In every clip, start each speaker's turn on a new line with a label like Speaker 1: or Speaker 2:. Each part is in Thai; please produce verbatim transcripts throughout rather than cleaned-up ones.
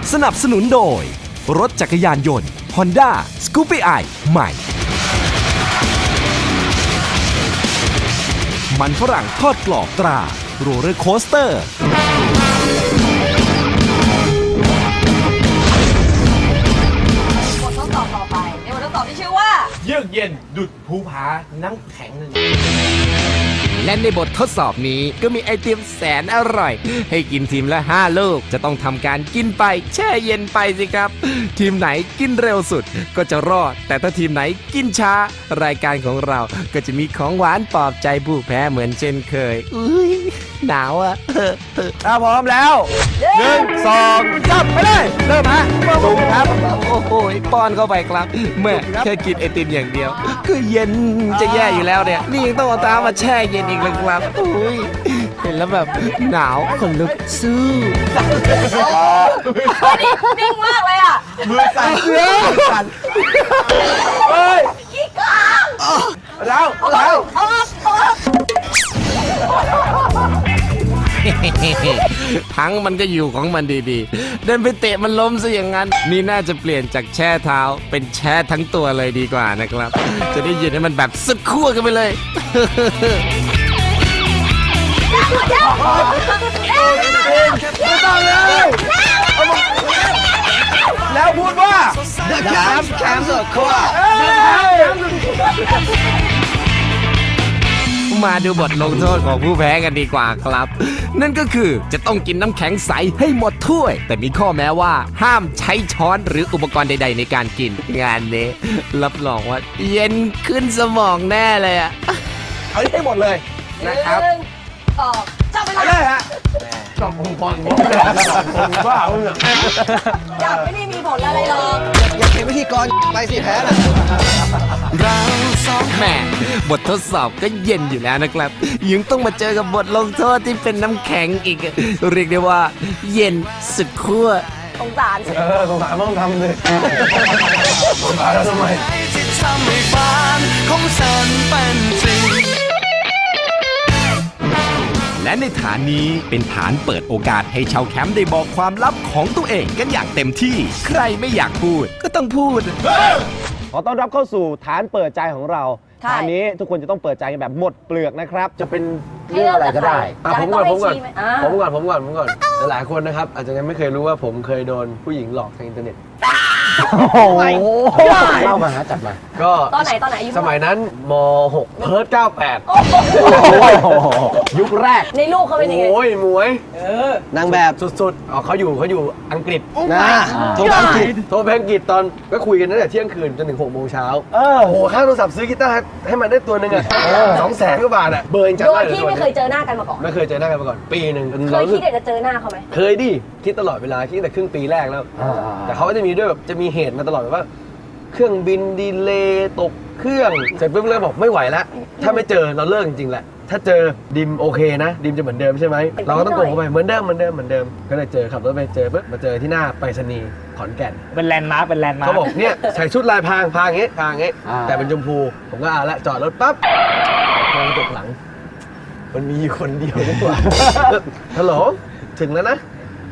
Speaker 1: สนับสนุนโดยรถจักรยานยนต์ Honda สกูปปี้ ไอ ใหม่มันฝรั่งทอดกรอบตราโรลเลอร์โคสเตอร์
Speaker 2: บททดสอบต่อไปในบททดสอบที่ชื่อว่า
Speaker 3: เยือกเย็นดุดภูผาน้ำแข็งนั่น
Speaker 1: และในบททดสอบนี้ก็มีไอติมแสนอร่อยให้กินทีมละห้าลูกจะต้องทำการกินไปแช่เย็นไปสิครับ ทีมไหนกินเร็วสุดก็จะรอดแต่ถ้าทีมไหนกินช้ารายการของเราก็จะมีของหวานปลอบใจผู้แพ้เหมือนเช่นเคยอุ้ยหนาวอ่ะถ้าพร้อมแล้วหนึ่งสองสามไปเลยเริ่มฮะจุ่มครับโอ้โหป้อนเข้าไปครับเมื่อแค่กินไอติมอย่างเดียวก็เย็นจะแย่อยู่แล้วเนี่ยนี่ยังต้องเอาตามมาแช่เย็นอีกเลยครับอุ้ยเห็นแล้วแบบหนาวคนลุกสู้
Speaker 2: นิ่งมากเลยอ่ะ
Speaker 3: มือสั่นมือสั่นเฮ้ย
Speaker 2: ขี้กอง
Speaker 3: แล้วแล้ว
Speaker 2: ออกออก
Speaker 1: ทั้งมันก็อยู่ของมันดีๆเดินไปเตะมันล้มซะอย่างนั้นนี่น่าจะเปลี่ยนจากแช่เท้าเป็นแช่ทั้งตัวเลยดีกว่านะครับ จะได้ยินให้มันแบบสุดขั้วกันไปเลย
Speaker 3: ไม่ต้องเลยแล้วพูดว่าแคมป์แคมป์สุดขั้ว
Speaker 1: มาดูบทลงโทษของผู้แพ้กันดีกว่าครับ นั่นก็คือจะต้องกินน้ำแข็งใสให้หมดถ้วย แต่มีข้อแม้ว่าห้ามใช้ช้อนหรืออุปกรณ์ใดๆในการกินงานนี้รับรองว่าเย็นขึ้นสมองแน่เลยอะ
Speaker 3: เอาให้หมดเลยนะครับ
Speaker 2: หนึ่งสองจับเว
Speaker 3: เอา
Speaker 2: ลา
Speaker 3: เลยฮะจบองค์กรผมบ้าเพื่อน
Speaker 2: จับไม่ได้มีผลอะไรหรอก
Speaker 4: อยากเป็นพิธีกรไปสิแพ้น่ะ
Speaker 1: แหม่บททดสอบก็เย็นอยู่แล้วนะครับ ยังต้องมาเจอกับบทลงโทษที่เป็นน้ำแข็งอีก เรียกได้ว่า เย็นสุดขั้ว
Speaker 2: สงสาร
Speaker 3: เออสงสารต้องทำเลยสงสารแล้วทำไม
Speaker 5: ที่ทำให้ฝันของฉันเป็นจริง
Speaker 1: และในฐานนี้เป็นฐานเปิดโอกาสให้ชาวแคมป์ได้บอกความลับของตัวเองกันอย่างเต็มที่ ใครไม่อยากพูดก็ต้องพูด
Speaker 6: ขอต้อนรับเข้าสู่ฐานเปิดใจของเราฐานนี้ทุกคนจะต้องเปิดใจกันแบบหมดเปลือกนะครับ
Speaker 3: จะเป็น
Speaker 2: เรื่องอะไรก็ได้
Speaker 3: อ่ะผมก่อนผมก่อนผม
Speaker 2: ก่อน
Speaker 3: ก่อนผมก่อนผมก่อนหลายคนนะครับอาจจะยังไม่เคยรู้ว่าผมเคยโดนผู้หญิงหลอกทางอินเทอร์เน็ต
Speaker 6: โอ้โหเล่ามาฮะจัดมา
Speaker 3: ก็
Speaker 2: ตอนไหนตอนไหนอายุ
Speaker 3: สมัยนั้นม หก เพิร์ดเก้าแปด
Speaker 6: ยุคแรก
Speaker 2: ในลูกเขาเป็นยังไง
Speaker 3: โอ้ยมวย
Speaker 4: นางแบบ
Speaker 3: สุดๆอ๋อเขาอยู่เขาอยู่อังกฤษ
Speaker 4: นะโทรอังกฤษ
Speaker 3: โทรไปอังกฤษตอนก็คุยกันตั้งแต่เที่ยงคืนจนถึงหกโมงเช้า
Speaker 6: เออ
Speaker 3: โอ้โหค่าโทรศัพท์ซื้อกีตาร์ให้มันได้ตัวหนึ่งอ่ะสองแสนกว่าบาทอ่ะเบอร์ยังจำ
Speaker 2: โด
Speaker 3: ได้
Speaker 2: ย
Speaker 3: เลย
Speaker 2: ที่ไม่เคยเจอหน้ากันมาก่อน
Speaker 3: ไม่เคยเจอหน้ากันมาก่อนปีหนึ่ง
Speaker 2: เคยคิดอยากจะเจอหน้าเขาไหม
Speaker 3: เคยดิคิดตลอดเวลาคิดตั้งแต่ครึ่งปีแรกแล้ว แต่เขาก็จะมีด้วยแบบจะมีเหตุมาตลอดแบบว่า เครื่องบินดีเลย์ตกเครื่องเสร็จปุ๊บเลยบอกไม่ไหวแล้วถ้าไม่เจอเราเลิกจริงๆแหละถ้าเจอดิมโอเคนะดิมจะเหมือนเดิมใช่ไหมเราก็ต้องโกงเข้าไปเหมือนเดิมเหมือนเดิมเหมือนเดิมก็เลยเจอขับรถไปเจอปุ๊บมาเจอที่หน้าไปรษณีย์ขอนแก่น
Speaker 6: เป็นแลนด์มาร์คเป็นแลนด์มาร์ค
Speaker 3: เขาบอกเนี่ยใส่ชุดลายพรางพรางอย่างงี้พรางอย่างงี้
Speaker 6: อ่า
Speaker 3: แต่เป็นชมพูผมก็เอาละจอดรถปั๊บมองกระจกหลัง มันมีอยู่คนเดียวดีกว่า ฮัลโหลถึงแล้วนะ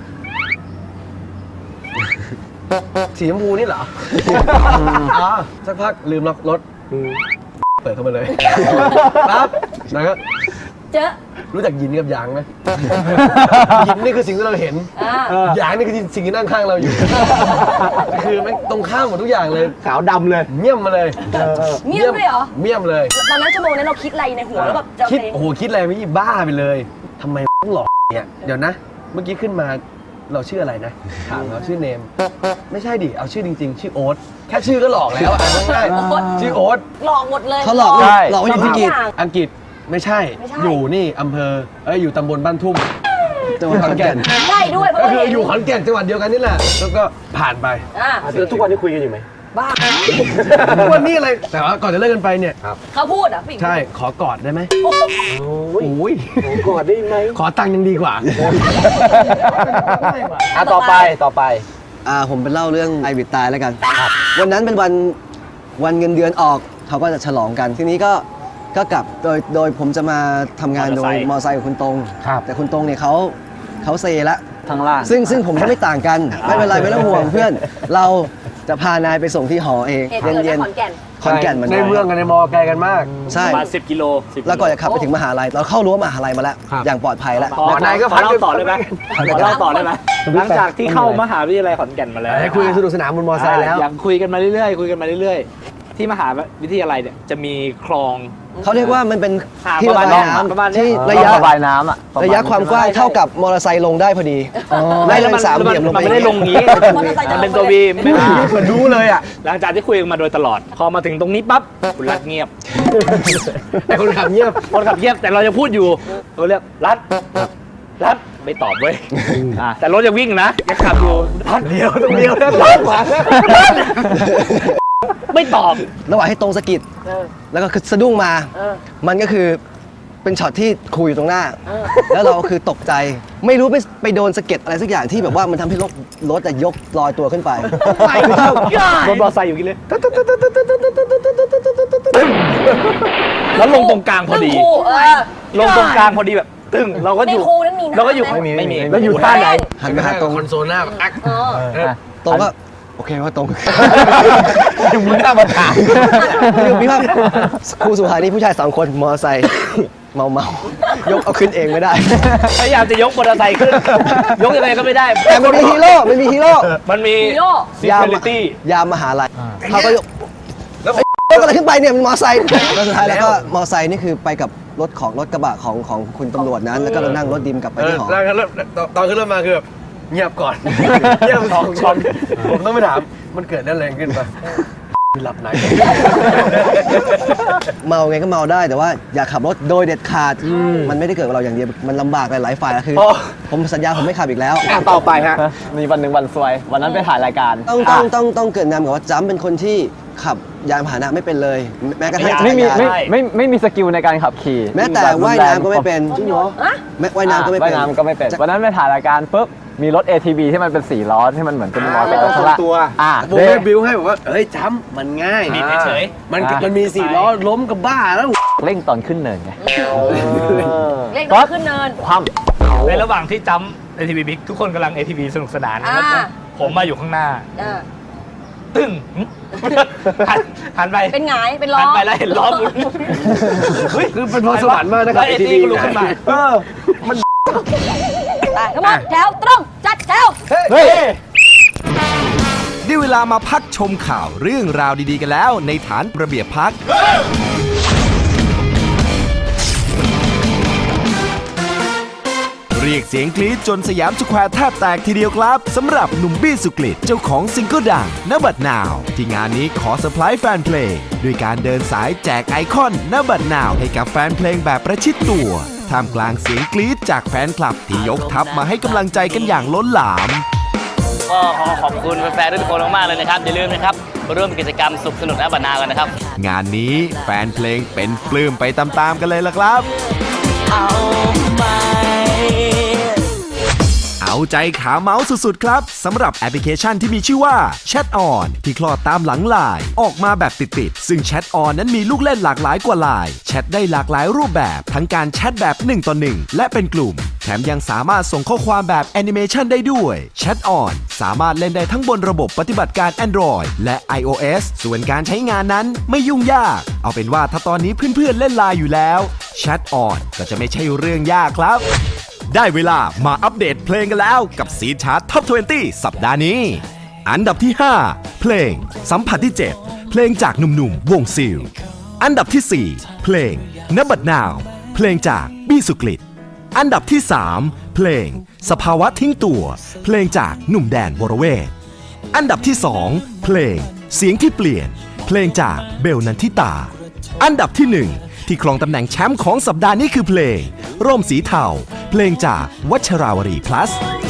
Speaker 3: สีชมพูนี่เหรออ๋อสักพักลืมล็อกรถเปิดเข้ามาเลยปั๊บแล้วก็
Speaker 2: เจอ
Speaker 3: รู้จักยินกับหยางไหม ยินนี่คือสิ่งที่เราเห็น
Speaker 2: อ่า
Speaker 3: หยางนี่คือสิ่งที่นั่งข้างเราอยู่ คือไม่ตรงข้ามหมดทุกอย่างเลย
Speaker 6: ขาวดำเลย
Speaker 3: เมี่ยมมาเลย
Speaker 2: เงียบเลยเหรอ
Speaker 3: เมี่ยมเลย
Speaker 2: ตอนนั้นชั่วโมงนั้นเราคิดอะไรในหัวแล้วแบบจะ
Speaker 3: คิด
Speaker 2: เพลง
Speaker 3: โอ้โหคิดอะไรไม่บ้าไปเลยทำไมต้องหลอกเนี่ยเดี๋ยวนะ เมื่อกี้ขึ้นมาเราชื่ออะไรนะถามเราชื่อเนม ไม่ใช่ดิเอาชื่อจริง ๆ ชื่อโอ๊ตแค่ชื่อก็หลอกแล้วอ่ะง่ายๆชื่อโอ๊ต
Speaker 2: หลอกหมดเลย
Speaker 4: เขาหลอก
Speaker 3: ใช่
Speaker 4: หลอกว่าอยู่ที่อังกฤษ
Speaker 3: อังกฤษไม่ใช่
Speaker 2: ไม่ใช่
Speaker 3: อยู่นี่อำเภอเอ้ยอยู่ตำบลบ้านทุ่ม
Speaker 4: จังหวัดขอนแก่น
Speaker 2: ใช่ด้วยเพราะ
Speaker 3: ก็
Speaker 2: ว่า
Speaker 3: คือ
Speaker 2: เห็น
Speaker 3: อยู่ขอนแก่นจังหวัดเดียวกันนี่แหละแล้วก็ผ่านไป
Speaker 2: อ่า
Speaker 6: แล้วทุกวันนี้คุยกันอยู่ไหม
Speaker 2: บ้า
Speaker 3: วันนี้อะไรแต่ว่าก่อนจะเลิกกันไปเนี่ย
Speaker 2: เขาพูดอ่ะผู้หญิง
Speaker 3: ใช่ขอกอดได้ไหม
Speaker 2: โอ้โห
Speaker 3: โอ้ย
Speaker 6: กอดได้ไหม
Speaker 3: ขอตังค์ยังดีกว่า
Speaker 6: อ่ะต่อไปต่อไป
Speaker 4: อ่าผมเป็นเล่าเรื่องไอวิดตายแล้วกัน วันนั้นเป็นวันวันเงินเดือนออกเขาก็จะฉลองกัน ทีนี้ก็ก็กลับโดยโดยผมจะมาทำงานโดยมอเตอร์ไซค์กับคุณตรง
Speaker 6: ครับ
Speaker 4: แต่คุณตรงเนี่ยเขาเขาเซละ
Speaker 7: ข้างล่าง
Speaker 4: ซึ่งซึ่งผมก็ไม่ต่างกัน ไม่เป็นไรไม่ต้องห่วงเพื่อน เราจะพานายไปส่งที่หอเอง
Speaker 2: เหตุเกิด
Speaker 4: เย็
Speaker 2: ที่
Speaker 4: น
Speaker 2: ขอนแก่น
Speaker 4: ๆขอนแก่นเหมือน
Speaker 3: ใน
Speaker 4: กัน
Speaker 3: เมืองกับในมอไกลกันมาก
Speaker 4: ใช่
Speaker 7: ประมาณสิบกิโลสิบ
Speaker 4: แล้วก่อนจะขับไปถึงมหาลัยเราเข้ารั้วมหาลัยมาแล้ว
Speaker 3: ครับ
Speaker 4: อย่างปลอดภัยแล้ว
Speaker 7: ขอ
Speaker 3: หมอนายก็
Speaker 7: ขอเล่าต่อได้ไหมขอเล่าต่อได้ไหมหลังจากที่เข้ามหาวิทยาลัยขอนแก่นมาแล้ว
Speaker 3: ให้คุยกันสนุกสนานบนมอไซค์แล้ว
Speaker 7: อย่างคุยกันมาเรื่อยๆคุยกันมาเรื่อยๆ ที่มหาวิทยาลัยเนี่ยจะมีคลอง
Speaker 4: เขาเรียกว่ามันเป็น
Speaker 7: ห่าง
Speaker 4: ที่
Speaker 7: ประ
Speaker 4: ระ
Speaker 7: มาณ
Speaker 4: บาย
Speaker 7: ประมาณ
Speaker 4: น้ำ
Speaker 7: นี้
Speaker 4: ที่ระยะ
Speaker 7: ระบายน้ำอ่ะ
Speaker 4: ระยะความกว้างเท่ากับมอเตอร์ไซค์ลงได้พอดีไม่
Speaker 7: แล้
Speaker 4: เป็
Speaker 7: วน
Speaker 4: สามเหลี่ยมลง
Speaker 7: มัน
Speaker 4: ไป
Speaker 7: ไม่ได้ลงงี้
Speaker 2: มอเตอร์ไซค์จะลง
Speaker 7: มันเป็นตัววีไม่ได้
Speaker 3: เหมือนรู้เลยอ่ะ
Speaker 7: หลังจากที่คุยกันมาโดยตลอด พอมาถึงตรงนี้ปั๊บคุณรัฐเงียบ
Speaker 3: แต่คนขับเงียบ
Speaker 7: คนขับเงียบแต่เราจะพูดอยู่เราเรียกรัฐรัฐไม่ตอบเว้ยอ่ะแต่รถยังวิ่งนะยังขับอยู่รัฐ
Speaker 3: เดียวต้องเดียวนะขวา
Speaker 7: ไม่ตอบ
Speaker 4: ระหว่างให้ตรงสะกิดแล้วก็คือสะดุ้งมา มันก็คือเป็นช็อตที่คุยอยู่ตรงหน้า แล้วเราคือตกใจ ไม่รู้ไปไปโดนสะเก็ดอะไรสักอย่างที่แบบว่ามันทำให้รถรถจะยกลอยตัวขึ้นไป
Speaker 7: รถมอเตอร์ไซค์อยู่กินเลยแล้วลงตรงกลางพอดี
Speaker 2: คู่เออ
Speaker 7: ลงตรงกลางพอดีแบบตึ้งเราก็
Speaker 2: ใน
Speaker 7: อยู่
Speaker 2: ครูนั้นมีน้ำ
Speaker 7: เราก็อยู่
Speaker 2: ไหม
Speaker 7: ไม่มี
Speaker 3: แล้วอยู่ท่าไหน
Speaker 4: หันมาหาตรง
Speaker 3: คอนโซลหน้าแบบอัก
Speaker 2: เออ
Speaker 4: ตรงก็โอเคว่าตรง
Speaker 3: ยังมีหน้ามาถาม
Speaker 4: คือพี่ว่าครูสุภานี่ผู้ชายสองคนมอเตอร์ไซค์เมาเมายกเอาขึ้นเองไม่ได้
Speaker 7: พยายามจะยกมอเตอร์ไซค์ขึ้น ยกยังไงก็ไม่ได้
Speaker 4: แต่มันมีฮีโร่มันมีฮีโร่
Speaker 7: มันมี
Speaker 2: ฮีโร่
Speaker 7: ซิ
Speaker 4: ยาม
Speaker 7: เคลิตี้
Speaker 4: ยามมหาลัยเขาก็ยกแล้วยกอะไรขึ้นไปเนี่ยมันมอเตอร์ไซค์แล้วสุดท้ายแล้วก็มอเตอร์ไซค์นี่คือไปกับรถของรถกระบะของของคุณตำรวจนั้นแล้วก็เรานั่งรถดิมกลับไป
Speaker 3: เออ
Speaker 4: ที่หอ
Speaker 3: แล้วเริ่มตอนขึ้นรถมาคือแบบเงียบก่อน เงียบสองคนผมต้องไปถามมันเกิดนั่นแรงขึ้นปะหลับไหน
Speaker 4: เมาไงก็เมาได้แต่ว่าอย่าขับรถโดยเด็ดขาดมันไม่ได้เกิดกับเราอย่างเดียวมันลำบากหลายๆฝ่ายแล้วคือ
Speaker 3: โอ้
Speaker 4: ผมสัญญาผมไม่ขับอีกแล้ว
Speaker 3: อ่ะต่อไปฮะ
Speaker 7: มีวันหนึ่งวันซวย วันนั้นไปถ่ายรายการ
Speaker 4: ต้องต้องต้องต้องเกิดนำกับว่าจ้ำเป็นคนที่ขับยานพาหนะไม่เป็นเลย แม้กระทั่งจักร
Speaker 7: ไม่มี
Speaker 4: ยาน
Speaker 7: ไม่
Speaker 8: ไม่ไม่มีสกิลในการขับขี่
Speaker 4: แม้แต่ว่ายน้ำก็ไม่เป็นจริงเหรอ
Speaker 2: อะ
Speaker 4: แม้ว่ายน้ำก็ไม่
Speaker 8: ว่าย
Speaker 4: เป็น
Speaker 8: น้ำก็ไม่เป็น วันนั้นไปถ่ายรายการปุ๊บ มีรถ เอ ที วี ที่มันเป็นสี่ล้อที่มันเหมือนเป็นมอเตอร์ไซค์ข้างล่าง
Speaker 3: ตัว
Speaker 8: อ่ะ
Speaker 3: ผม
Speaker 8: เด้
Speaker 3: ให้บิวให้บอกว่าเฮ้ยจ้ำมันง่าย
Speaker 7: บิดเฉย
Speaker 3: มันมันมีสี่ล้อล้มกับบ้าแล้ว
Speaker 8: เร่งตอนขึ้นเนินไง
Speaker 2: เล่นก็ขึ้นเนิน
Speaker 8: คว่
Speaker 7: ในระหว่างที่จำ เอ ที วี บิ๊กทุกคนกำลัง เอ ที วี สนุกสนาน
Speaker 2: อ่า
Speaker 7: ผมมาอยู่ข้างหน้า
Speaker 2: เออ
Speaker 7: ตึ้งหึหันหันไป
Speaker 2: เป็นหงายเป็นล้อ
Speaker 7: หันไปแล้วเห็นล้อหมุนเฮ้ย
Speaker 3: คือเป็นพรสวรรค์มากนะครับ
Speaker 7: แล้ว เอ ที
Speaker 3: เอ
Speaker 7: วี
Speaker 3: ทีวี
Speaker 7: ก็ลุกขึ้นมา
Speaker 3: เออ
Speaker 2: ไปทั้งหมดแถวตรงจัดแถว
Speaker 7: เฮ้ย
Speaker 1: ได้เวลามาพักชมข่าวเรื่องราวดีๆกันแล้วในฐานระเบียบพัก เรียกเสียงกรี๊ดจนสยามสแควร์แทบแตกทีเดียวครับสำหรับหนุ่มบี้สุกฤตเจ้าของซิงเกิลดังณบัดนาว ที่งานนี้ขอเซอร์ไพรส์แฟนเพลงด้วยการเดินสายแจกไอคอนณบัดนาวให้กับแฟนเพลงแบบประชิดตัวท่ามกลางเสียงกรี๊ดจากแฟนคลับที่ยกทัพมาให้กำลังใจกันอย่างล้นหลาม
Speaker 9: ก็ขอขอบคุณแฟนๆทุกคนมากๆเลยนะครับ อย่าลืมนะครับมาร่วมกิจกรรมสุขสนุกณบัดนาวกันนะครับ
Speaker 1: งานนี้แฟนเพลงเป็นปลื้มไปตามๆกันเลยล่ะครับ เอาใจขาเมาส์สุดๆครับสำหรับแอปพลิเคชันที่มีชื่อว่า Chat On ที่คลอดตามหลังไลน์ออกมาแบบติดๆซึ่ง Chat On นั้นมีลูกเล่นหลากหลายกว่าไลน์แชทได้หลากหลายรูปแบบทั้งการแชทแบบหนึ่งต่อหนึ่งและเป็นกลุ่มแถมยังสามารถส่งข้อความแบบแอนิเมชันได้ด้วย Chat On สามารถเล่นได้ทั้งบนระบบปฏิบัติการ Android และ iOS ส่วนการใช้งานนั้นไม่ยุ่งยากเอาเป็นว่าถ้าตอนนี้เพื่อนๆเล่นไลน์อยู่แล้ว Chat On ก็จะไม่ใช่เรื่องยากครับได้เวลามาอัปเดตเพลงกันแล้วกับซีชาร์ตท็อป ยี่สิบ สัปดาห์นี้ อันดับที่ ห้า เพลงสัมผัสที่ เจ็ด เพลงจากหนุ่มๆวงซิลอันดับที่ สี่ เพลงณบัดนาว เพลงจากบี้สุกฤตอันดับที่ สาม เพลงสภาวะทิ้งตัว เพลงจากหนุ่มแดนวรเวทอันดับที่ สอง เพลงเสียงที่เปลี่ยน เพลงจากเบลนันทิตาอันดับที่ หนึ่ง ที่ครองตำแหน่งแชมป์ของสัปดาห์นี้คือเพลงร่มสีเทาเพลงจากวัชราวรี plus